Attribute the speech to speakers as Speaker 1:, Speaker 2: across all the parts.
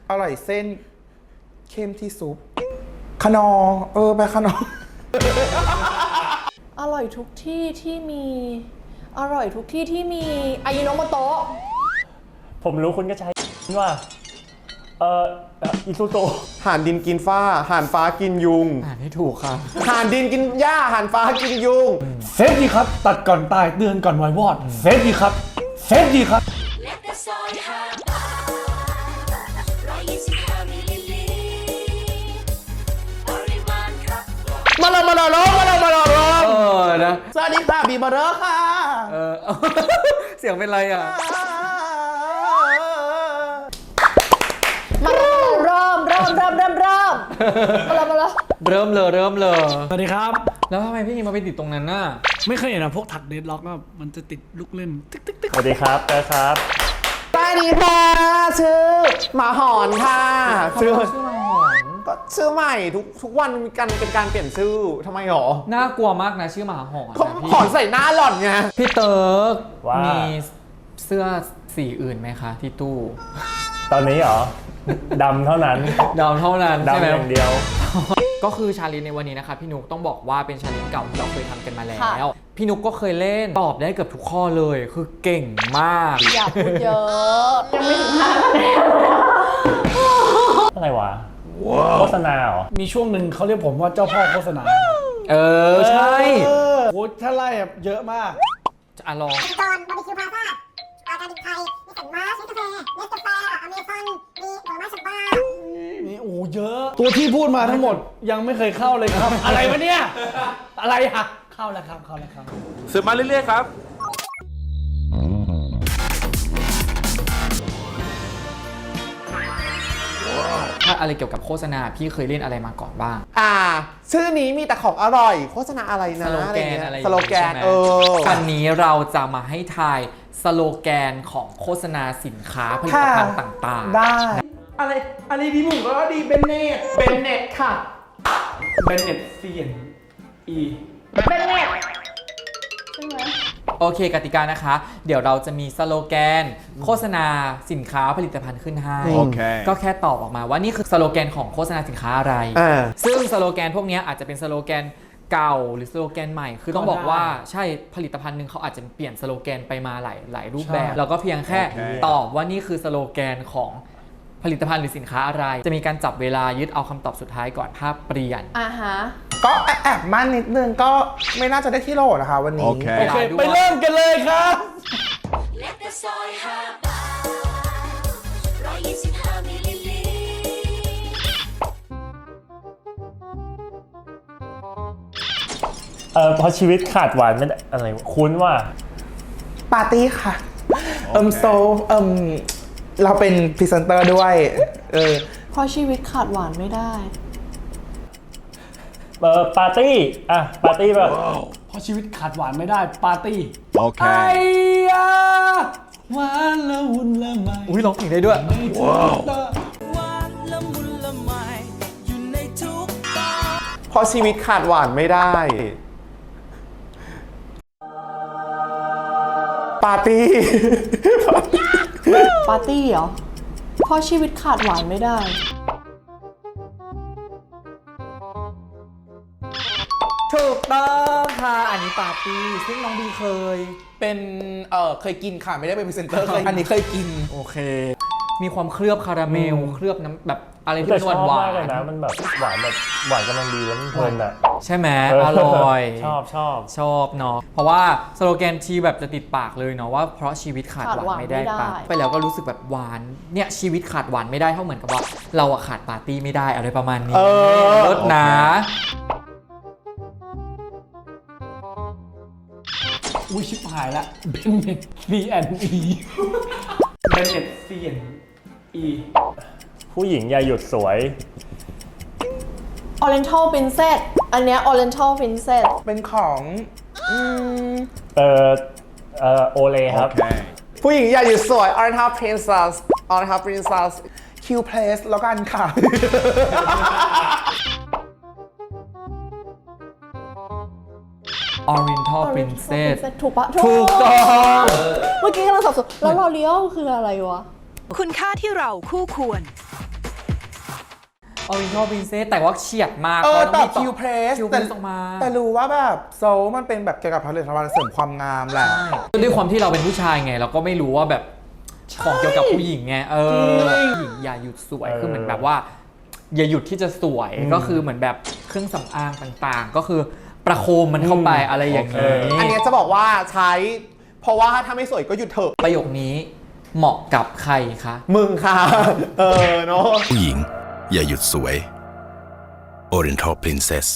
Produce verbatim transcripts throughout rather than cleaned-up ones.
Speaker 1: อร่อยเส้นเข้มที่ซุปขนอเออไปขนอ
Speaker 2: อร่อยทุกที่ที่มี อร่อยทุกที่ที่มีอายิโนโมโตะ
Speaker 3: ผมรู้คุณก็ใช้ว่าเอ่ออิซูโตะ
Speaker 4: ห่านดินกินฟ้าห่านฟ้ากินยุง
Speaker 5: อ่านให้ถูกครับ
Speaker 4: ห่านดินกินหญ้าห่านฟ้ากินยุง
Speaker 6: เซฟดีครับตัดก่อนตายเตือนก่อนไววอดเซฟดีครับเซฟดีครับ
Speaker 1: มาเลยมาเลยร้องมาเลยมาเลยร้อง
Speaker 5: เออนะ
Speaker 1: สวัสดีค่ะบีบอร์เรอร์ค่ะ
Speaker 5: เออ เสียงเป็นไรอ่ะ
Speaker 2: มาเลยเริ่มเริ่มเริ่มเริ่มเริ่มมาเลยมาเลย
Speaker 5: เริ่มเลยเริ่มเลย
Speaker 6: สวัสดีครับ
Speaker 5: แล้วทำไมพี่มาไปติดตรงนั้นน่ะ
Speaker 6: ไม่เคยเห็นนะพวกถักเดดล็อกก็มันจะติดลูกเล่นติ๊กติ๊กติ๊ก
Speaker 3: สวัสดีครับเต้ครับ
Speaker 4: สวัสดีค่ะชื่อหมาหอนค่ะชื่อ
Speaker 5: ชื่อมาหอน
Speaker 4: ก็ชื่อใหม่ทุกทุกวันมีการเป็นการเปลี่ยนชื่อทำไมหรอ
Speaker 5: น่ากลัวมากนะชื่อหมาหอน
Speaker 4: ก็
Speaker 5: นะพี่
Speaker 4: หอนใส่หน้าหล่อนไง
Speaker 5: พี่เติร์ก
Speaker 3: ว่า
Speaker 5: มีเสื้อสีอื่นไหมคะที่ตู้
Speaker 3: ตอนนี้เหรอ ดำเท่านั้น
Speaker 5: ดาวเท่านั้นใช่
Speaker 3: ดำ
Speaker 5: ไหม
Speaker 3: อย่างเดียว
Speaker 5: ก็คือชาเลนจ์ในวันนี้นะคะพี่นุกต้องบอกว่าเป็นชาเลนจ์เก่าที่เราเคยทำกันมาแล้ว พี่นุกก็เคยเล่นตอบได้เกือบทุกข้อเลยคือเก่งมาก
Speaker 2: อย่าพูดเยอะยังไม่ถึงห้าคะแนน
Speaker 3: อะไรวะโฆษณาเหรอ
Speaker 6: มีช่วงหนึ่งเขาเรียกผมว่าเจ้าพ่อโฆษณา
Speaker 5: เออใช่
Speaker 6: เออโอ้ถ้าไล่แบบเยอะมาก
Speaker 5: อ่ะลอง
Speaker 7: จอนบาร์บีคิวพาซ่าอากาดินไทยมีสันมาสมีกาแฟเนสกาแฟอเมซอนมีผลไม้สับปะรด
Speaker 6: นี่โอ้เยอะ ตัวที่พูดมาทั้งหมดยังไม่เคยเข้าเลยครับ อะไรวะเนี่ย อะไรอะเข้าแล้วครับเข้าแล้วครับ
Speaker 1: สืบมาเรื่อยๆครับ
Speaker 5: ถ้าอะไรเกี่ยวกับโฆษณาพี่เคยเล่นอะไรมาก่อนบ้าง
Speaker 4: อ่า ชื่อนี้มีแต่ของอร่อย โฆษณาอะไร
Speaker 5: ส
Speaker 4: นะ
Speaker 5: โลแกน
Speaker 4: เงี้ย
Speaker 5: อะไร
Speaker 4: สโลแกน
Speaker 5: ใช่ไหม
Speaker 4: เออ
Speaker 5: วันนี้เราจะมาให้ทายสโลแกนของโฆษณาสินค้าผลิตภัณฑ์ต่างๆ
Speaker 1: ได้ อะไรอะไรดีหมูก็ดีเบนเนตเบนเนตค่ะ
Speaker 6: เบนเน็ตเซียนอี
Speaker 2: เป็นไงใช่ไหม
Speaker 5: โอเคกติกานะคะ เดี๋ยวเราจะมีสโลแกน โฆษณาสินค้าผลิตภัณฑ์ขึ้นให้
Speaker 4: โอเค
Speaker 5: ก็แค่ตอบออกมาว่านี่คือสโลแกนของโฆษณาสินค้าอะไร
Speaker 4: อ่า
Speaker 5: ซึ่งสโลแกนพวกนี้อาจจะเป็นสโลแกนเก่าหรือสโลแกนใหม่ คือต้องบอกว่าใช่ผลิตภัณฑ์หนึ่งเขาอาจจะเปลี่ยนสโลแกนไปมาหลายหลายรูปแบบ แล้วก็เพียงแค่ตอบว่านี่คือสโลแกนของผลิตภัณฑ์หรือสินค้าอะไร จะมีการจับเวลายึดเอาคำตอบสุดท้ายก่อนภาพเปลี่ยน
Speaker 2: อ่าฮะ
Speaker 1: ก็แอบมั่นนิดนึงก็ไม่น่าจะได้ที่โหลนะคะวันนี้
Speaker 6: โอเคไปเริ่มกันเลยครับ
Speaker 3: เออเพราะชีวิตขาดหวานไม่ได้อะไรวะคุ้นว่า
Speaker 1: ปาร์ตี้ค่ะ เอิมโซเอิมเราเป็นพรีเซนเตอร์ด้วย เออ
Speaker 2: เพราะชีวิตขาดหวานไม่ได้
Speaker 3: เออปาร์ตี้ อ่ะ ปาร์ตี้แบบ
Speaker 6: เพราะชีวิตขาดหวานไม่ได้ปาร์ตี้โอเคไอ้ยาหวานละมุนละไม
Speaker 5: อุ้ยร้องเพลงได้ด้วย
Speaker 4: เพราะชีวิตขาดหวานไม่ได้ ปาร์ตี้
Speaker 2: ปาร์ตี้เหรอ เพราะชีวิตขาดหวานไม่ได้
Speaker 5: ถูกต้องค่ะ อันนี้ปาร์ตี้ ซึ่งน้องบีเคย
Speaker 1: เป็นเออเคยกินค่ะไม่ได้เป็นพรีเซนเตอร์เคยอันนี้เคยกิน
Speaker 5: โอเค มีความเคลือบคาราเมล เคลือบน้ำแบบอะไรที่
Speaker 3: แต่
Speaker 5: มัน
Speaker 3: ชอบ
Speaker 5: หวาม
Speaker 3: ากเลย
Speaker 5: น
Speaker 3: นะ มันแบบหวานแบบหวานกำลังดีแล้วมันเพลินอ่ะ
Speaker 5: ๆใช่ไหม
Speaker 3: เ
Speaker 5: อร่อย
Speaker 3: ชอบชอบ
Speaker 5: ชอบเนาะ เพราะว่าสโลแกนทีแบบจะติดปากเลยเนาะว่าเพราะชีวิตขาดหวานไม่ได้
Speaker 2: ขาดหวานไม่ได้
Speaker 5: ปะไปแล้วก็รู้สึกแบบหวาน เนี่ยชีวิตขาดหวานไม่ได้เท่าเหมือนกับว่า เราอะขาดปาร์ตี้ไม่ได้อะไรประมาณนี้
Speaker 4: เออ
Speaker 5: ลดนะ
Speaker 6: อุ้ยชิบหายละเบนเน็ตซีแอนอีเบนเน็ตซีแอนอี
Speaker 3: ผู้หญิงอย่าหยุดสวย
Speaker 2: Oriental Princess อันเนี้ย Oriental Princess
Speaker 1: เป็นของอืม
Speaker 3: เออเออโอเลครับ
Speaker 4: ผู้หญิงอย่าหยุดสวย Oriental Princess Oriental Princess
Speaker 1: Q Place แล้วกันค่ะ
Speaker 5: Oriental Princess
Speaker 2: ถูกปะ
Speaker 5: ถูกต้อง
Speaker 2: เมื่อกี้กำลังสับสนแล้วเราเลี้ยวคืออะไรวะ
Speaker 8: คุณค่าที่เราคู่ควร
Speaker 5: Oriental Princess แต่ว่าเฉียดมาก
Speaker 1: เออ
Speaker 5: พราะ
Speaker 1: ต่อ
Speaker 5: มี
Speaker 1: คิวเพรส
Speaker 5: คิวเพ
Speaker 1: แต่
Speaker 5: รสออกมา
Speaker 1: แต่รู้ว่าแบบโซลมันเป็นแบบเกี่ยวกับผลิตภัณฑ์เสริมความงามแหละ
Speaker 5: ด้วยความที่เราเป็นผู้ชายไง เราก็ไม่รู้ว่าแบบของเกี่ยวกับผู้หญิงไงเออผู้หญิงอย่าหยุดสวย
Speaker 3: เออ
Speaker 5: คือเหมือนแบบว่า อย่าหยุดที่จะสวยก็คือเหมือนแบบเครื่องสำอางต่างๆ ก็คือประโคมมันเข้าไปอะไรอย่างนี้
Speaker 4: อันเนี้ยจะบอกว่าใช้ เพราะว่าถ้าไม่สวยก็หยุดเถอะ
Speaker 5: ประโยคนี้เหมาะกับใครคะ
Speaker 4: มึงค่ะ เออเนาะ
Speaker 8: ผู้หญิงอย่าหยุดสวย Oriental Princess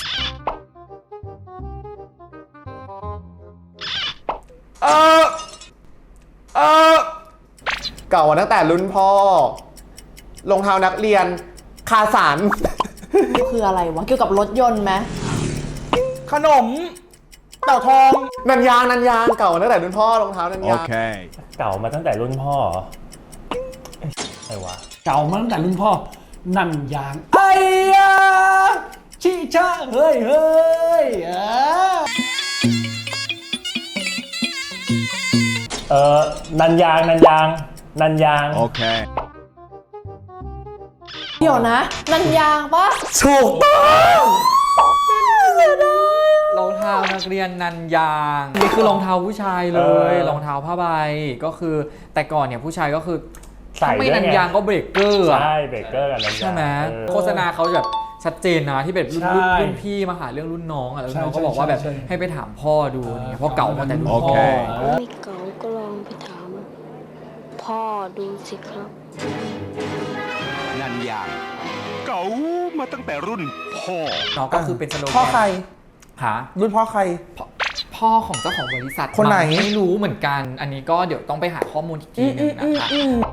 Speaker 4: เออเออเก่ามาตั้งแต่รุ่นพ่อรองเท้านักเรียนคาสัน
Speaker 2: คืออะไรวะ เกี่ยวกับรถยนต์ไหม
Speaker 1: ขนมเต่าทอง
Speaker 4: นันยางนันยางเก่ามาตั้งแต่รุ่นพ่อรองเท้านันยาง
Speaker 8: Okay
Speaker 3: เก่ามาตั้งแต่รุ่นพ่อเหรอเอ๊ะอะไรวะ
Speaker 6: เก่ามาตั้งแต่รุ่นพ่อ นั่นยางไอ้ยาชิชะเฮ้ยเฮ้ยเออ
Speaker 3: เออนันยางนันยางนันยาง
Speaker 8: Okay
Speaker 2: เดี๋ยวนะ นันยางปะ
Speaker 4: ถูกต้อง
Speaker 5: รองเท้านักเรียนนันยางนี่คือรองเท้าผู้ชายเลย
Speaker 3: เออ
Speaker 5: รองเท้าผ้าใบก็คือแต่ก่อนเนี่ยผู้ชายก็คือ
Speaker 3: ใส่
Speaker 5: ถ้าไม่
Speaker 3: ด้วย
Speaker 5: นัน
Speaker 3: ไง
Speaker 5: ยางก็เบรกเกอร์อะ
Speaker 3: ใช่เบรกเกอร์กับนันยาง
Speaker 5: ใช่ไหม
Speaker 3: เออ
Speaker 5: โฆษณาเขาแบบชัดเจนนะที่แบบรุ่น
Speaker 6: ใช่
Speaker 5: รุ่นรุ่นพี่มาหาเรื่องรุ่นน้องอะแล้วรุ่นน้อง
Speaker 6: ใช่
Speaker 5: ก็บอกว่าแบบ
Speaker 6: ใช่ใช่
Speaker 5: ให้ไปถามพ่อดูเนี่ยเพราะเก่ามาแต่รุ่นพ่อ
Speaker 8: โอเค
Speaker 9: ไม่เก๋าก็ลองไปถาม พ่อดูสิครับ
Speaker 8: นันยางเก่ามาตั้งแต่รุ่นพ่อ
Speaker 5: เนาะก็คือเป็นสโลแกน
Speaker 1: พ่อใคร
Speaker 5: หา
Speaker 1: รุ่นพ่อใคร
Speaker 5: พ่อของเจ้าของบริษัท
Speaker 1: คนไหน
Speaker 5: มั้งไม่รู้เหมือนกัน อันนี้ก็เดี๋ยวต้องไปหาข้อมูลอีกทีหนึงนะคะ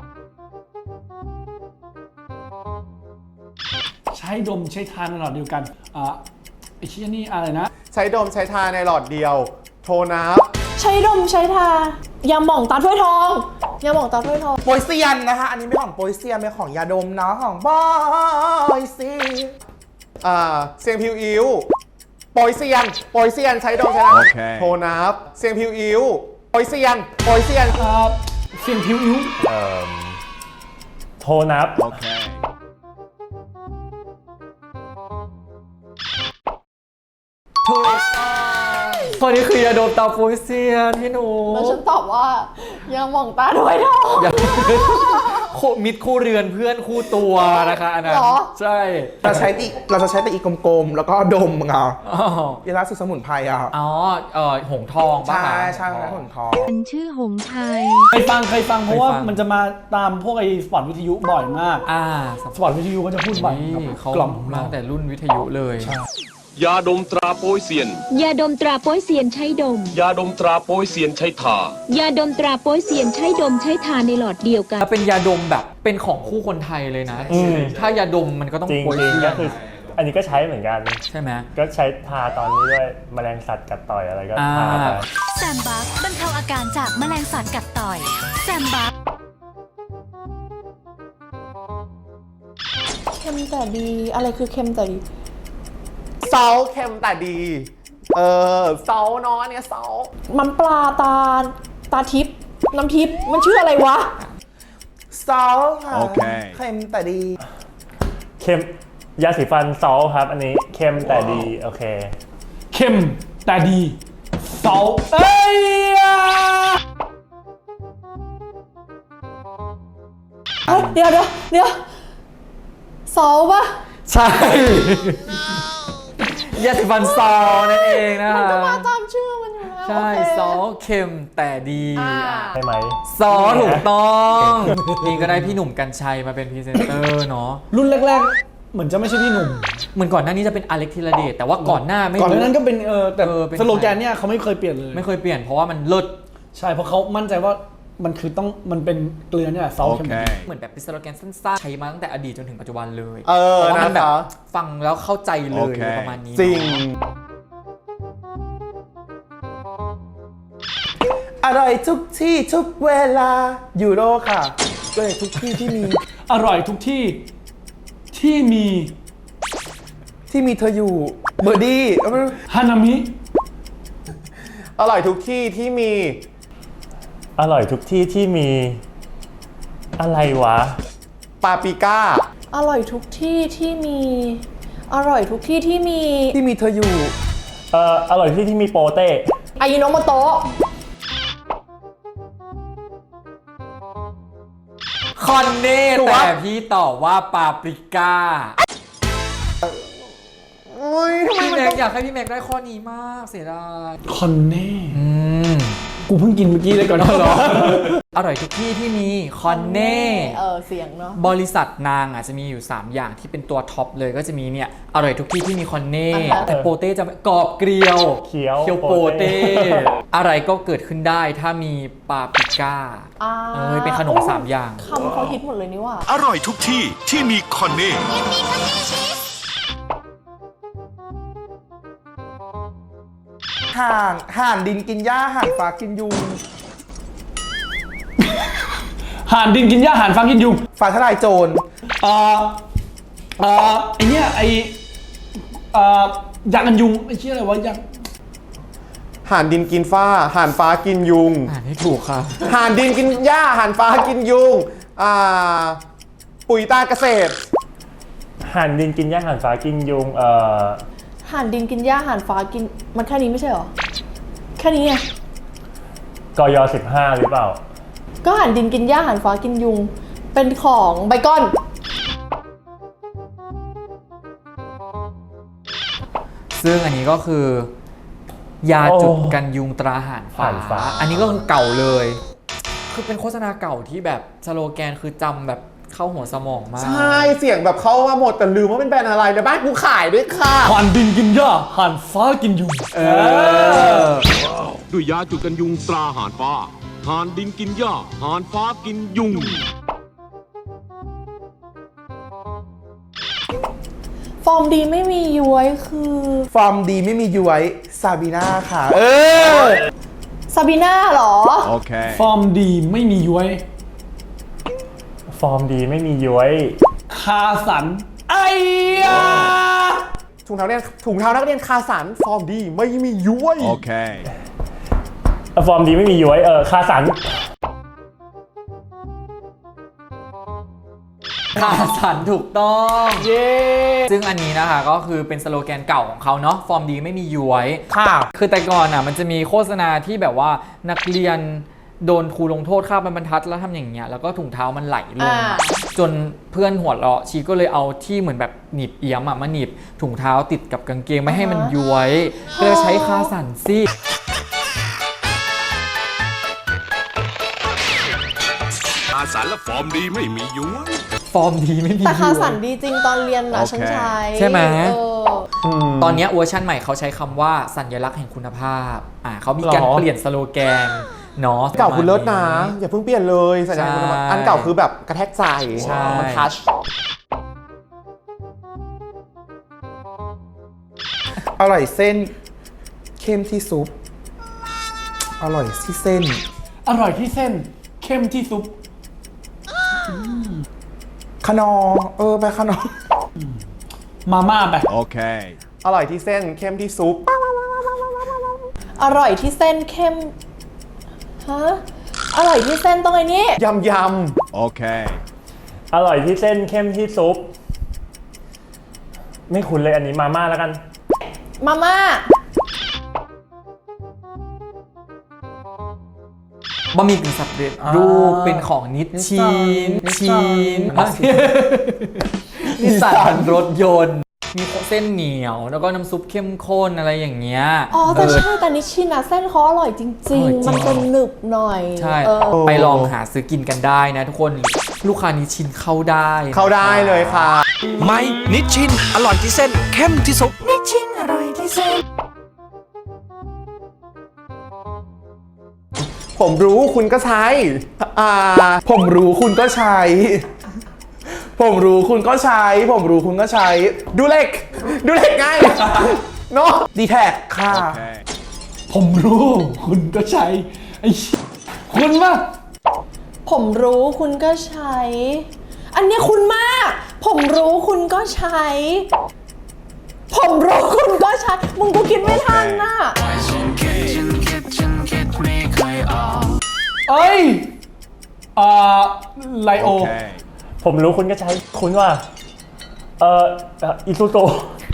Speaker 6: ใช้ดมใช้ทานในหลอดเดียวกัน อ่าไอ้เชี่ยนี่อะไรนะ
Speaker 4: ใช้ดมใช้ทาในหลอดเดียว โทนับ
Speaker 2: ใช้ดมใช้ทายาหม่องตาถ้วยทองยาหม่องตาถ้วยทอง
Speaker 1: โปยเซียนนะคะ อันนี้ไม่ของโปยเซียนเป็นของยาดมเนาะของบอยเซียน
Speaker 4: อ่าเสียงผิวอิ้วโปยเซียนโปยเซียนใช้ดมใช้ทา
Speaker 8: โอเค
Speaker 4: โทนับเสียงผิวอิ้วโปยเซียนโปยเซียน
Speaker 6: อ่าเสียงผิวอิ้ว
Speaker 3: เอ่อโทรนับ
Speaker 8: Okay
Speaker 5: ถูกคนนี้คือยาดมตาโปยเซียนพี่หนู
Speaker 2: แล้วฉันตอบว่ายาหม่องตาถ้วยทอง
Speaker 5: อย่าคู่มิตรคู่เรือนเพื่อนคู่ตัวนะคะอันนั้น
Speaker 2: หรอ
Speaker 5: ใช่
Speaker 1: เราใช้ตีเราจะใช้แต่อีกลมๆ แล้วก็ดมเอา
Speaker 5: อ๋อ
Speaker 1: ยาลาสุดสมุนไพรอ่ะ
Speaker 5: อ๋อเออหงทองป่ะ
Speaker 1: ใช่
Speaker 5: คะ
Speaker 1: ใช่แล้วผลทอง
Speaker 9: มันชื่อหงไทย
Speaker 6: เคยฟังเคยฟังเพราะว่า
Speaker 5: เคยฟัง
Speaker 6: มันจะมาตามพวกไอ้สปอตวิทยุบ่อยมาก
Speaker 5: อ่า
Speaker 6: สปอตวิทยุก็จะพูดบ่อย
Speaker 5: นี่
Speaker 6: กับ
Speaker 5: เขา
Speaker 6: กล่อมของ
Speaker 5: มา
Speaker 6: เรา
Speaker 5: ตั้งแต่รุ่นวิทยุเลย
Speaker 10: ยาดมตราโป้ยเซียน
Speaker 9: ยาดมตราโป้ยเซียนใช้ดม
Speaker 10: ยาดมตราโป้ยเซียนใช้ทา
Speaker 9: ยาดมตราโป้ยเซียนใช้ดมใช้ทาในหลอดเดียวกัน
Speaker 5: แล้วเป็นยาดมแบบเป็นของคู่คนไทยเลยนะ
Speaker 3: อืม
Speaker 5: ถ้ายาดมมันก็ต้อง
Speaker 3: จริง
Speaker 5: โปย
Speaker 3: จริง
Speaker 5: เซีย
Speaker 3: ก็
Speaker 5: น
Speaker 3: คือ อันนี้ก็ใช้เหมือนกัน
Speaker 5: ใช่ไหม
Speaker 3: ก็ใช้ทาตอนนี้ด้วยแมลงสัตว์กัดต่อยอะไรก็
Speaker 5: อ่า
Speaker 3: ทาไป
Speaker 11: แซมบัคบรรเทาอาการจากแมลงสัตว์กัดต่อย แซมบัค
Speaker 2: เค็มแต่ดี อะไรคือเค็มแต่ดี
Speaker 4: เซาเค็มแต่ดี เออเซาเนาะอันเนี่ยเซา
Speaker 2: มันปลาตา ตาทิพย์น้ำทิพย์มันชื่ออะไรวะ
Speaker 1: ซอลค่ะ
Speaker 8: โอเค
Speaker 1: เค็มแต่ดี
Speaker 3: เค็มยาสีฟันซอลครับ อันนี้เค็มแต่ดี โอเค
Speaker 6: เข้มแต่ดีเสาเอ้ยอ่ะ
Speaker 2: เฮ้ย เดี๋ยวเดี๋ยวเดี๋ยวเสาปะ
Speaker 5: ใช่ยาสีฟันซอนั่นเองนะ
Speaker 2: มัน
Speaker 5: คะ
Speaker 2: ก็มาตามชื่อมันอยู่แล้ว
Speaker 5: ใช่
Speaker 2: โอเค
Speaker 5: ซอเค็มแต่ดี
Speaker 2: อ่า
Speaker 3: ใช่ไหม
Speaker 5: ซอถูกต้องนี่ก็ได้พี่หนุ่มกัญชัยมาเป็นพรีเซนเตอร์เนาะ
Speaker 6: รุ่นแรกๆ เหมือนจะไม่ใช่พี่หนุ่ม
Speaker 5: เหมือนก่อนหน้านี้จะเป็นอเล็กธีรเดชแต่ว่าก่อนหน้าไม่
Speaker 6: ก่อนห
Speaker 5: รู้
Speaker 6: น้านั้นก็เป็นเออแต่
Speaker 5: เออเป็น
Speaker 6: สโลแกนเนี่ยเขาไม่เคยเปลี่ยนเลย
Speaker 5: ไม่เคยเปลี่ยนเพราะว่ามันเลิศ
Speaker 6: ใช่เพราะเขามั่นใจว่ามันคือต้องมันเป็นเกลือเนี่ยแหละเสาเข้ม
Speaker 8: Okay
Speaker 5: เหมือนแบบเป็นสโลแกนสั้นๆใช้มาตั้งแต่อดีตจนถึงปัจจุบันเลย
Speaker 4: เออ
Speaker 5: เพราะว่ามันแบบ
Speaker 4: นะคะ
Speaker 5: ฟังแล้วเข้าใจเลย
Speaker 8: โอเค
Speaker 5: ประมาณนี้
Speaker 4: จริง
Speaker 1: อร่อยทุกที่ทุกเวลายูโรค่ะอร่อยทุกที่ที่มี
Speaker 6: อร่อยทุกที่ที่มี
Speaker 1: ที่มีเธออยู่เบอร์ดี้เอาไม่รู้
Speaker 6: ฮานามิ
Speaker 4: อร่อยทุกที่ที่มี
Speaker 3: อร่อยทุกที่ที่มีอะไรวะ
Speaker 4: ปาปริก้า
Speaker 2: อร่อยทุกที่ที่มี อร่อยทุกที่ที่มี
Speaker 1: ที่มีเธออยู่
Speaker 3: เอ่ออร่อยที่ที่มีโปเต้
Speaker 2: อายิโนโมโตะ
Speaker 5: คอนเน่แต่พี่ตอบว่าปาปริก้า
Speaker 4: โอ้ยทำไม
Speaker 5: พี่
Speaker 4: มัน
Speaker 5: แม็
Speaker 4: ต้
Speaker 5: ก
Speaker 4: อง
Speaker 5: อยากให้พี่แม็กได้ข้อนี้มากเสียดาย
Speaker 6: คอนเน่
Speaker 5: อืม
Speaker 6: กูเพิ่งกินเมื่อกี้เลยก่อนเหรอ
Speaker 5: อร่อยทุกที่ที่มีคอนเน่
Speaker 2: เออเสียงเนาะ
Speaker 5: บริษัทนางอ่ะจะมีอยู่ สาม อย่างที่เป็นตัวท็อปเลยก็จะมีเนี่ยอร่อยทุกที่ที่มีคอนเน่
Speaker 2: อ่าฮะ
Speaker 5: แต่โปเต้จะไม่กรอบเกลียว
Speaker 3: เขียว
Speaker 5: เคียวโปเต้ อะไรก็เกิดขึ้นได้ถ้ามีปาปริก้า
Speaker 2: อ่า
Speaker 5: เออเป็นขนมสามอย่าง
Speaker 2: คำเขาฮิตหมดเลยนี่ว่า
Speaker 8: อร่อยทุกที่ที่มีคอนเน่
Speaker 1: ห่านห่านดินกินหญ้าห่านฟ้ากินยุง
Speaker 6: ห่านดินกินหญ้าห่านฟางกินยุง
Speaker 1: ฟ้าทลายโจร
Speaker 6: เอ่อเอ่อไอเนี้ยไอเอ่อยางกันยุงไอเชี่ยอะไรวะยาง
Speaker 4: ห่านดินกินฟ้าห่านฟ้ากินยุง
Speaker 5: อ่านให้ถูกค่ะ
Speaker 4: ห่านดินกินหญ้าห่านฟ้ากินยุงอ่าปุ๋ยตาเกษตร
Speaker 3: ห่านดินกินหญ้าห่านฟ้ากินยุงเอ่อ
Speaker 2: ห่านดินกินหญ้าห่านฟ้ากิน มันแค่นี้ไม่ใช่เหรอ แค่นี้ไง
Speaker 3: กยสิบห้าหรือเปล่า
Speaker 2: ก็ห่านดินกินหญ้าห่านฟ้ากินยุง เป็นของไบคอน
Speaker 5: ซึ่งอันนี้ก็คือ ยาจุดกันยุงตราห่านฟ้า
Speaker 3: ห่านฟ้า
Speaker 5: อันนี้ก็คือเก่าเลย คือเป็นโฆษณาเก่าที่แบบสโลแกนคือจำแบบเข้าหัวสมองมาก
Speaker 4: ใช่เสียงแบบเข้ามาหมดแต่ลืมว่าเป็นแบรนด์อะไรในบ้านกูขายด้วยค่ะ
Speaker 6: ห่านดินกินหญ้าห่านฟ้ากินยุง
Speaker 5: เออ
Speaker 10: ด้วยยาจุดกันยุงตราหานฟ้าหานดินกินหญ้าหานฟ้ากินยุง
Speaker 2: ฟอร์มดีไม่มีย้วยคือ
Speaker 1: ฟอร์มดีไม่มีย้วยซาบีน่าค่ะ เออ
Speaker 2: ซาบีน่าเหรอ
Speaker 8: โอเค
Speaker 6: ฟอร์มดีไม่มีย้วย
Speaker 3: ฟอร์มดีไม่มีย้วย
Speaker 6: คาสันไอ้ยา
Speaker 4: ถุงเท้าเรียนถุงเท้านักเรียนคาสันฟอร์มดีไม่มีย้วย
Speaker 8: โอเค
Speaker 3: ฟอร์มดีไม่มีย้วยเออคาสัน
Speaker 5: คาสันถูกต้อง เย้ ซึ่งอันนี้นะคะก็คือเป็นสโลแกนเก่าของเขาเนาะ ฟอร์มดีไม่มีย้วย
Speaker 1: ค่ะ
Speaker 5: คือแต่ก่อนอ่ะมันจะมีโฆษณาที่แบบว่านักเรียนโดนครูลงโทษคาบบรรทัดแล้วทำอย่างเงี้ยแล้วก็ถุงเท้ามันไหลลง
Speaker 2: อ่า
Speaker 5: จนเพื่อนหัวเราะชีก็เลยเอาที่เหมือนแบบหนีบเอี้ยมอ่ะมาหนีบถุงเท้าติดกับกางเกงไม่ให้มันย้วยก็เลยใช้คาสันซี่
Speaker 8: อาสารและฟอร์มดีไม่มีย้วย
Speaker 5: ฟอร์มดีไม่มี
Speaker 2: แต่คา
Speaker 5: ย้วย
Speaker 2: สันดีจริงตอนเรียนนะ
Speaker 8: โอเค
Speaker 2: ฉันใช้
Speaker 5: ใช่ไหม
Speaker 2: เออ
Speaker 5: ตอนเนี้ยเวอร์ชันใหม่เขาใช้คำว่าสัญลักษณ์แห่งคุณภาพอ่าเขามีการ
Speaker 4: หรอ
Speaker 5: เปลี่ยนสโลแกนเนาะ
Speaker 4: เก่าคุณเลิศนะ
Speaker 5: ประมาณ
Speaker 4: อย่าเพิ่งเปลี่ยนเลยสัญญาณคุณภาพ
Speaker 5: ใช่
Speaker 4: อันเก่าคือแบบกระแทกใจ
Speaker 5: ใช่
Speaker 4: มันทัช
Speaker 1: อร่อยเส้นเข้มที่ซุป อร่อยที่เส้น
Speaker 6: อร่อยที่เส้นเข้มที่ซุป
Speaker 1: ขนอ เออ ไปขนอ
Speaker 6: มาม่าไป
Speaker 8: โอเค
Speaker 4: อร่อยที่เส้นเข้มที่ซุป
Speaker 2: อร่อยที่เส้นเข้ม ฮะ อร่อยที่เส้นตรงไอ้นี้
Speaker 4: ยำย
Speaker 8: โอเค
Speaker 3: อร่อยที่เส้นเข้มที่ซุป ไม่คุ้นเลยอันนี้มาม่าแล้วกัน
Speaker 2: มาม่า
Speaker 5: บะหมี่กึ่งสำเร็จรูปเป็นของนิชชินชินนิสสันรถยนต์ มีเส้นเหนียวแล้วก็น้ำซุปเข้มข้นอะไรอย่างเงี้ย
Speaker 2: อ๋อแต่
Speaker 5: เออ
Speaker 2: ใช่แต่นิชชินอะเส้นเขาอร่อยจริง
Speaker 5: อร่อยจริง
Speaker 2: ๆ มันเป็นหนึบหน่อย
Speaker 5: ใช่
Speaker 2: เออ
Speaker 5: ไปลองหาซื้อกินกันได้นะทุกคนลูกค้านิชชินเข้าได้นะ
Speaker 4: ำเข้าได้เลยค่ะ
Speaker 8: ไม่นิชชิน อร่อยที่เส้นเข้มที่สุด
Speaker 4: ผมรู้คุณก็ใช้ อ่า
Speaker 1: ผมรู้คุณก็ใช้ ผมรู้คุณก็ใช้ ผมรู้คุณก็ใช้
Speaker 4: ดูเล็ก ดูเล็กไง เนาะ
Speaker 1: ดีแท็กค่ะ
Speaker 8: โอเค
Speaker 6: ผมรู้คุณก็ใช้ไอ้คุณมาก
Speaker 2: ผมรู้คุณก็ใช้ อันเนี้ยคุณมาก ผมรู้คุณก็ใช้ ผมรู้คุณก็ใช้ มึงกูคิดไม่ทันน่ะ
Speaker 6: เอ้ยอ่าไลโอ
Speaker 8: โอเค
Speaker 3: ผมรู้คุณก็ใช้คุณว่าเอออิซูโต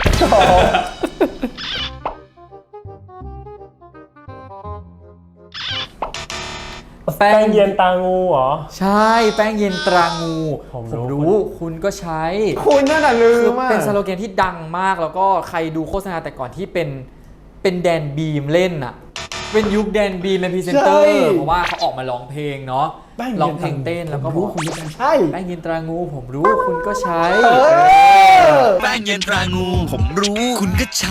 Speaker 3: แป้งเย็นตางูเหรอ
Speaker 5: ใช่แป้งเย็นตรางู
Speaker 3: ผมรู้
Speaker 5: รู้คุณก็ใช้
Speaker 4: คุณนั่นน่ะลื
Speaker 5: คือ
Speaker 4: มอ่ะ
Speaker 5: เป็นสโลแกนที่ดังมากแล้วก็ใครดูโฆษณาแต่ก่อนที่เป็นเป็นแดนบีมเล่นอะเป็นยุคแดนบีมเป็นพรีเซนเตอร์เพราะว่าเขาออกมาร้องเพลงเนาะร้องเพลงเต้นแล้วก็บอก
Speaker 6: คุณก็ใช่
Speaker 5: แป้งเย็นตรางูผมรู้คุณก็ใช้
Speaker 8: แป้งเย็นตรางู ผมรู้คุณก็ใช้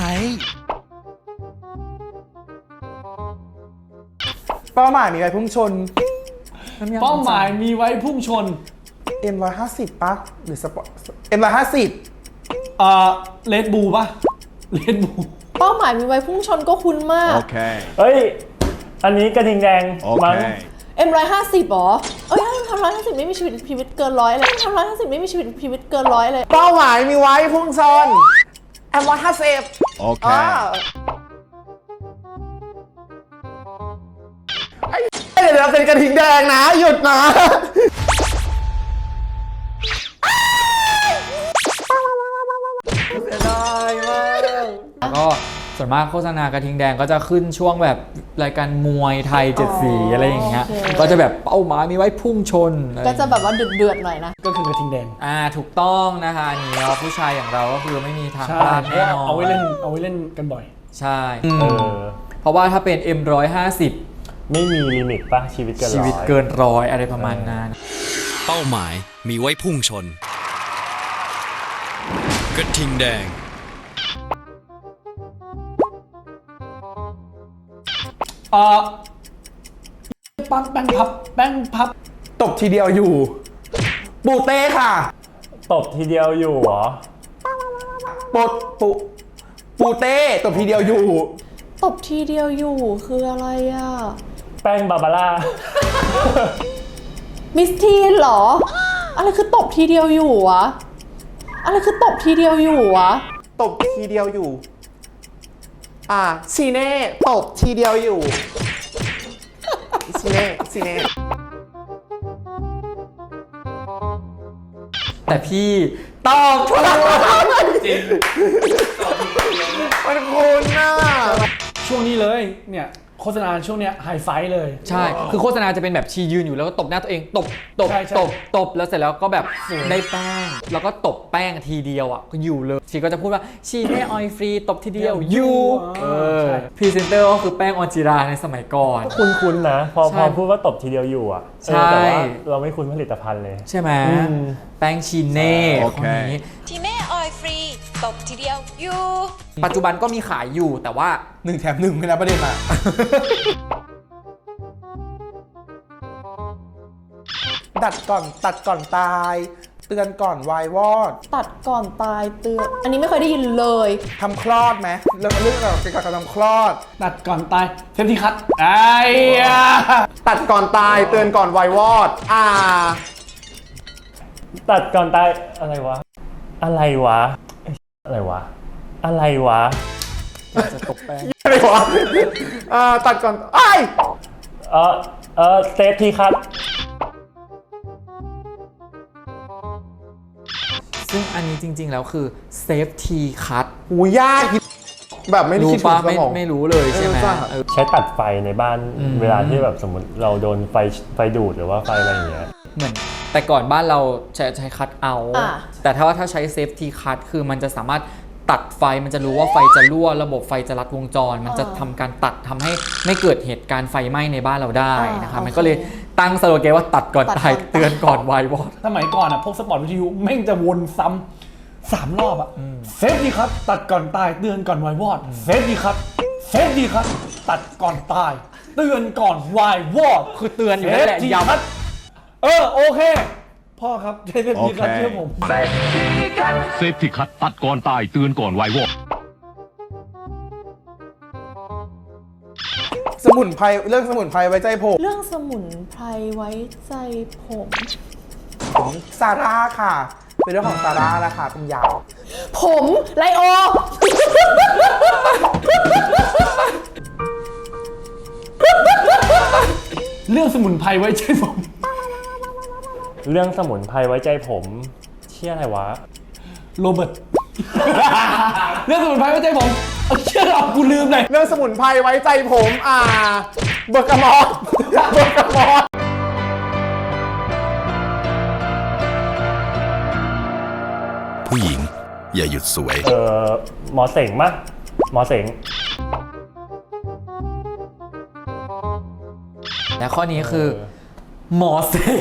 Speaker 1: เป้าหมายมีไว้พุ่งชน
Speaker 6: เป้าหมายมีไว้พุ่งชน
Speaker 1: เอ็ม หนึ่งร้อยห้าสิบ ปะหรือสปอร์ต เอ็ม หนึ่งร้อยห้าสิบ
Speaker 6: เอ่อเลดบูปะเลดบู
Speaker 2: เป้าหมายมีไว้พุ่งชนก็คุ้นมาก
Speaker 3: เฮ้ย อันนี้กระทิงแดงมั้ง
Speaker 2: เอ็มร้อยห้าสิบหรอ เอ้ยทำร้อยห้าสิบไม่มีชีวิตชีวิตเกินร้อยเลยทำร้อยห้าสิบไม่มีชีวิตชีวิตเกินร้อยเลย
Speaker 4: เป้าหมายมีไว้พุ่งชนแอมร้อยห้าสิบ
Speaker 8: โอเค
Speaker 4: เดี๋ยวเราเป็นกระทิงแดงนะ หยุดนะ
Speaker 5: แล้วก็ส่วนมากโฆษณากระทิงแดงก็จะขึ้นช่วงแบบรายการมวยไทยเจ็ดสีอะไรอย่างเงี้ย
Speaker 2: โอเค
Speaker 5: ก็จะแบบเป้าหมายมีไว้พุ่งชน
Speaker 2: ก็จะแบบว่าเดือดๆหน่อยนะ
Speaker 6: ก็คือกระทิงแดง
Speaker 5: อ่าถูกต้องนะคะอันนี้ผู้ชายอย่างเราก็คือไม่มีทาง
Speaker 6: ใช่
Speaker 5: พลาดแน่นอน
Speaker 6: เอาไว้เล่นเอาไว้เล่นกันบ่อย
Speaker 5: ใช่
Speaker 3: เออ
Speaker 5: เพราะว่าถ้าเป็น เอ็ม หนึ่งร้อยห้าสิบ
Speaker 3: ไม่มีลิมิตปะชีวิตเกินร้อย
Speaker 5: ชีวิตเกินร้อยอะไรประมาณนั้น
Speaker 8: เป้าหมายมีไว้พุ่งชน กระทิงแดง
Speaker 6: เอ่อปั๊บแป้งพับแป้งพับ
Speaker 1: ตบทีเดียวอยู่ ปูเต้ค่ะ
Speaker 3: ตบทีเดียวอยู่เหรอ
Speaker 1: ปดปูปูเต้ตบทีเดียวอยู่
Speaker 2: ตบทีเดียวอยู่คืออะไรอ่ะ
Speaker 3: แป้งบาบาร่า
Speaker 2: มิสทีนเหรอ อะไรคือตบทีเดียวอยู่วะ อะไรคือตบทีเดียวอยู่วะ
Speaker 4: ตบทีเดียวอยู่ อ่าซีเน่ตบทีเดียวอยู่ ซีเน่ซีเน่
Speaker 5: แต่พี่ตอบถูกจริง
Speaker 4: มันคุณน่ะ
Speaker 6: ช่วงนี้เลย เนี่ยโฆษณาช่วงเนี้ยไฮไฟเลย
Speaker 5: ใช่ คือโฆษณาจะเป็นแบบชียืนอยู่แล้วก็ตบหน้าตัวเอง ตบ ตบ
Speaker 6: ใช่ใช่
Speaker 5: ตบ ตบ แล้วเสร็จแล้วก็แบบได้แป้ง แล้วก็ตบแป้งทีเดียวอ่ะก็อยู่เลย ชีก็จะพูดว่าชีได้ออยฟรีตบทีเดียวอยู่เออพรีเซนเตอร์ก็คือแป้งออนจิราในสมัยก่อน
Speaker 3: คุ้นๆนะ พอ
Speaker 5: ใช่
Speaker 3: พอพูดว่าตบทีเดียวอยู่อ่ะ
Speaker 5: ใช่
Speaker 3: เออแต่ว่าเราไม่คุ้นผลิตภัณฑ์เลย
Speaker 5: ใช่ไหม
Speaker 3: อืม
Speaker 5: แป้งชีเน่
Speaker 8: โอ
Speaker 5: ค
Speaker 8: เค
Speaker 5: นนี้
Speaker 11: ทีเม่ออยฟรี ตบทีเดียวอยู่
Speaker 5: ปัจจุบันก็มีขายอยู่แต่ว่า
Speaker 1: หนึ่งแถมหนึ่งไม่นะประเด็นอ่ะ ตัดก่อนตัดก่อนตาย เตือนก่อนวายวอด
Speaker 2: ตัดก่อนตายเตือน อันนี้ไม่เคยได้ยินเลย
Speaker 1: ทำคลอดไหมเรื่องเรื่องเกี่ยวกับการทำคลอด
Speaker 6: ตัดก่อนตายเซฟตี้คัทไอ้ยะ
Speaker 4: ตัดก่อนตายเตือนก่อนไววอด อ่า
Speaker 3: ตัดก่อนตายอะไรวะ อะไรวะเอ้ยอะไรวะ อะไรวะ
Speaker 5: จะตบแป้ง
Speaker 4: อะไรวะอ่าตัดก่อนไอ้ย
Speaker 3: เออเออเซฟทีครับ
Speaker 5: ซึ่งอันนี้จริง ๆ แล้วคือ safety cut
Speaker 4: หูยากแบบไม่ได้
Speaker 5: รู้
Speaker 4: คิดถึ
Speaker 5: ปะ
Speaker 4: งส
Speaker 5: ไม่
Speaker 4: มอง
Speaker 5: ไม่รู้เลยใช่ไหม
Speaker 4: เออจ้ะ
Speaker 5: เออ
Speaker 3: ใช้ตัดไฟในบ้าน
Speaker 5: อืม
Speaker 3: เวลาที่แบบสมมติเราโดนไฟไฟดูดหรือว่าไฟอะไรอย่างเงี้ย
Speaker 5: เหมือนแต่ก่อนบ้านเราใช้ใช้คัทเอา
Speaker 2: อ่า
Speaker 5: แต่ถ้าว่าถ้าใช้ safety cut คือมันจะสามารถตัดไฟมันจะรู้ว่าไฟจะรั่วระบบไฟจะลัดวงจร มันจะทำการตัดทำให้ไม่เกิดเหตุการณ์ไฟไหม้ในบ้านเราได้นะคะมันก็เลยตั้งสโลแกนว่าตัดก่อนตายเตือนก่อนวายวอด
Speaker 6: สมัยก่อนอ่ะพวกสปอร์ตวิทยุแม่งจะวนซ้ำสามรอบอ่ะเซฟดีครับ ตัดก่อนตายเตือนก่อนวายวอดเซฟดีครับเซฟดีครับ ตัดก่อนตาย เตือนก่อนวายวอด
Speaker 5: คือเตือนอยู่นั่นแหละ
Speaker 6: เซฟดี
Speaker 5: ย้ำ
Speaker 6: ครับเออโอเค พ่อครับใช้เซฟดีครับ
Speaker 8: โอเค
Speaker 6: เชื่อผม
Speaker 10: เซฟที่คัดตัดก่อนตายเตือนก่อนไววอด
Speaker 1: สมุนไพรเรื่องสมุนไพรไว้ใจผม
Speaker 2: เรื่องสมุนไพรไว้ใจผม
Speaker 1: ของซาร่าค่ะ เป็นเรื่องของซาร่าแล้วค่ะเป็นยาว
Speaker 2: ผมไลโอ
Speaker 6: เรื่องสมุนไพรไว้ใจผม
Speaker 3: เรื่องสมุนไพรไว้ใจผมเชี่ยอะไรวะ
Speaker 6: โรเบิร์ต เรื่องสมุนไพรไว้ใจผมเอาเชื่อเรากูลืมเลย
Speaker 4: เรื่องสมุนไพรไว้ใจผม อ่า เบอร์กามอสเบอร์กามอส
Speaker 8: ผู้หญิงอย่าหยุดสวย
Speaker 3: เออหมอเสงมะหมอเสง
Speaker 5: และข้อนี้คือหมอเสง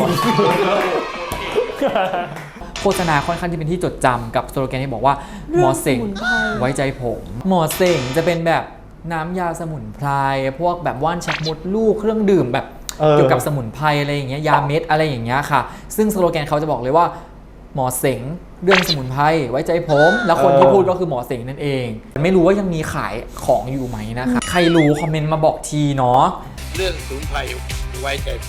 Speaker 5: โฆษณาค่อนข้างที่เป็นที่จดจำกับสโลแกนที่บอกว่าหมอเสงไว้ใจผมหมอเสงจะเป็นแบบน้ำยาสมุนไพรพวกแบบว่านชักมดลูกเครื่องดื่มแบบเกี่ยวกับสมุนไพรอะไรอย่างเงี้ยยาเม็ดอะไรอย่างเงี้ยค่ะซึ่งสโลแกนเขาจะบอกเลยว่าหมอเสงเรื่องสมุนไพรไว้ใจผมแล้วคนที่พูดก็คือหมอเสงนั่นเองไม่รู้ว่ายังมีขายของอยู่ไหมนะคะใครรู้คอมเมนต์มาบอกทีเนาะ
Speaker 8: เรื่องสมุนไพรไว้ใจผม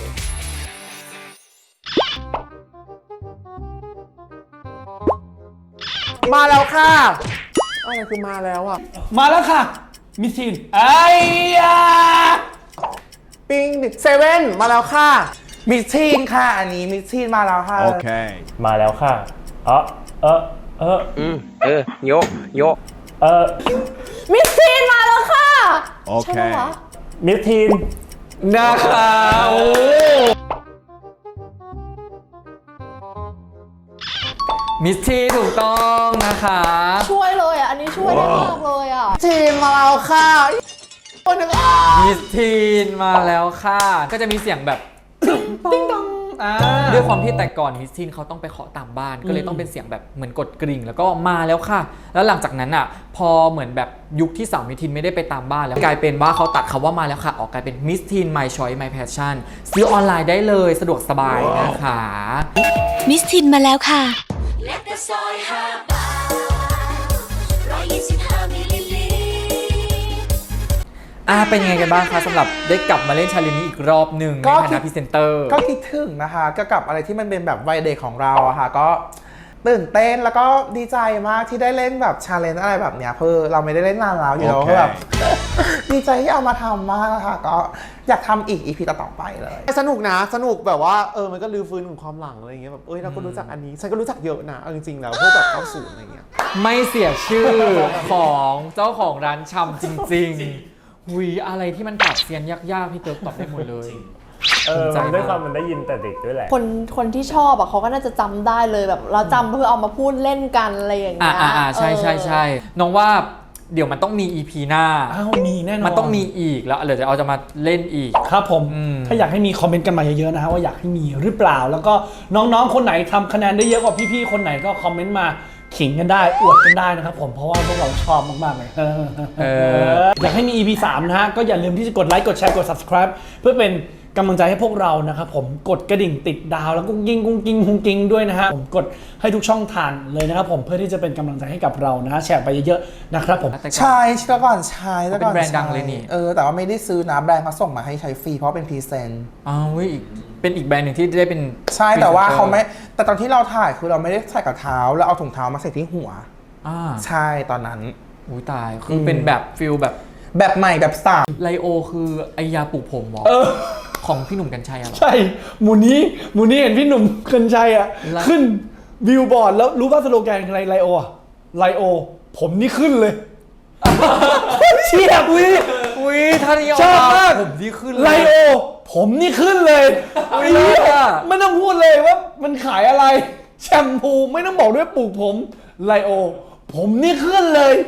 Speaker 4: มาแล้วค่ะอะไรคือมาแล้วอ่ะ
Speaker 6: มาแล้วค่ะ มิสทีนไอ้ยา
Speaker 4: ปิงเซเว่นมาแล้วค่ะ
Speaker 1: มิสทีนค่ะอันนี้มิสทีนมาแล้วค่ะ
Speaker 3: มาแล้วค่ะเออเออเออ
Speaker 12: อืมเออโยกโยก
Speaker 3: เออ
Speaker 2: มิสทีนมาแล้วค่ะ
Speaker 8: โอเค
Speaker 2: ใช่ไหมวะ
Speaker 3: มิสทีน
Speaker 5: นะคะโอ้มิสทีถูกต้องนะคะ
Speaker 2: ช่วยเลยอ่ะ อันนี้ช่วยได้มากเลยอ่ะ
Speaker 4: ทีมมาแล้วค่ะคนหนึ่งอ่ะ
Speaker 5: มิสทีนมาแล้วค่ะ ก็จะมีเสียงแบบติ๊งตองด้วยความที่แต่ก่อนมิสทีนเขาต้องไปเคาะตามบ้าน ก็เลยต้องเป็นเสียงแบบเหมือนกดกริ่ง แล้วก็มาแล้วค่ะ แล้วหลังจากนั้นอ่ะพอเหมือนแบบยุคที่สาวมิสทีนไม่ได้ไปตามบ้านแล้วกลายเป็นว่าเขาตัดคำว่ามาแล้วค่ะออกกลายเป็นมิสทีน My Choice My Passion ซื้อออนไลน์ได้เลยสะดวกสบายนะคะ
Speaker 11: มิสทินมาแล้วค่ะ
Speaker 5: อ่าเป็นยังไงกันบ้างคะสำหรับได้กลับมาเล่นชาเลนจ์นี้อีกรอบหนึ่งในฐานะพรีเซนเตอร์
Speaker 1: ก็คิดถึงนะคะก็กับอะไรที่มันเป็นแบบวัยเด็กของเราอะค่ะก็ตื่นเต้นแล้วก็ดีใจมากที่ได้เล่นแบบชาเลนจ์อะไรแบบเนี้ยเพื่อเราไม่ได้เล่นนานแล้วอยู่แล้ว
Speaker 8: โอเค
Speaker 1: ก็แบบ ดีใจที่เอามาทำมากนะคะก็อยากทำอีกอีพีต่อๆไปเลย
Speaker 4: สนุกนะสนุกแบบว่าเออมันก็รื้อฟื้นถึงความหลังอะไรอย่างเงี้ยแบบเอ้ยเราก็รู้จักอันนี้ฉันก็รู้จักเยอะนะเอาจริงๆแล้วพวกแบบเก้าสิบอะไรเงี้ย
Speaker 5: ไม่เสียชื่อของเจ้าของร้านชำจริงๆหุยอะไรที่มันปรับเซียนยากๆพี่เติร์กตอบได้หมดเลย
Speaker 3: เออ
Speaker 5: ใจ
Speaker 3: มันด้วยความมันได้ยินแต่เด็กด้วยแหละ
Speaker 2: คนคนที่ชอบอ่ะเขาก็น่าจะจำได้เลยแบบเราจำเพื่อเอามาพูดเล่นกันอะไรอย่าง
Speaker 5: อ่า
Speaker 2: เงี้ย
Speaker 5: อ่าใช่ใช่ใช่น้องว่าเดี๋ยวมันต้องมี อี พี หน้า
Speaker 6: อ้าวมีแน่นอน
Speaker 5: มันต้องมีอีกแล้วเดี๋ยวจะเอาจะมาเล่นอีก
Speaker 6: ครับผม
Speaker 5: อืม
Speaker 6: ถ้าอยากให้มีคอมเมนต์กันมาเยอะๆนะฮะว่าอยากให้มีหรือเปล่า แล้วก็น้องๆคนไหนทำคะแนนได้เยอะกว่าพี่ๆคนไหนก็คอมเมนต์มาขิงกันได้อวดกันได้นะครับผมเพราะว่าพวกเราชอบมากๆเลย
Speaker 5: เออ
Speaker 6: อยากให้มี อี พี สามนะฮะก็อย่าลืมที่จะกดไลค์กดแชร์กด subscribe เพื่อเป็นกำลังใจให้พวกเรานะครับผมกดกระดิ่งติดดาวแล้วก็ยิงกุ้งกิ้งกุ้งกิ้งด้วยนะฮะผมกดให้ทุกช่องทางเลยนะครับผมเพื่อที่จะเป็นกำลังใจให้กับเรานะฮะแชร์ไปเยอะๆนะครับผม
Speaker 5: แต่ก่อน
Speaker 1: ใช่แต่ก่อนใช้แต่ก่อน
Speaker 5: เป็นแบรนด์ดัง
Speaker 1: ใช้
Speaker 5: เลยนี่
Speaker 1: เออแต่ว่าไม่ได้ซื้อนะแบรนด์เขาส่งมาให้ใช้ฟรีเพราะเป็นพรีเซนต์
Speaker 5: อ้าวเว้ยอีกเป็นอีกแบรนด์หนึ่งที่ได้เป็น
Speaker 1: ใช่แต่ว่า
Speaker 5: พรีซนตอร์
Speaker 1: เขาไม่แต่ตอนที่เราถ่ายคือเราไม่ได้ใส่กับเท้าแล้วเอาถุงเท้ามาใส่ที่หัว
Speaker 5: อ่า
Speaker 1: ใช่ตอนนั้น
Speaker 5: อุ้ยตายคือเป็นแบบฟิลแบบ
Speaker 1: แบบใหม่แบบสาม
Speaker 5: ไลโอคือไอยาปลูกผมเหรอ
Speaker 6: เออ
Speaker 5: ของพี่หนุ่มกัญชัยอะเหรอ
Speaker 6: ใช่หมูนี้หมูนี้เห็นพี่หนุ่มกัญชัยอ่ะ
Speaker 5: ไล
Speaker 6: ขึ้นบิลบอร์ดแล้วรู้ป่ะสโลแกนอะไรไลโออะไลโอผมนี่ขึ้นเลยเชียบวิ
Speaker 5: อุ้ยท่านี้
Speaker 6: ชอบมาก
Speaker 5: ผมที่ขึ้น
Speaker 6: ไลโอผมนี่ขึ้นเลยอุ๊ยไม่ต้องพูดเลยว่ามันขายอะไรแชมพูไม่ต้องบอกด้วยปลูกผมไลโอผมนี่ขึ้นเลย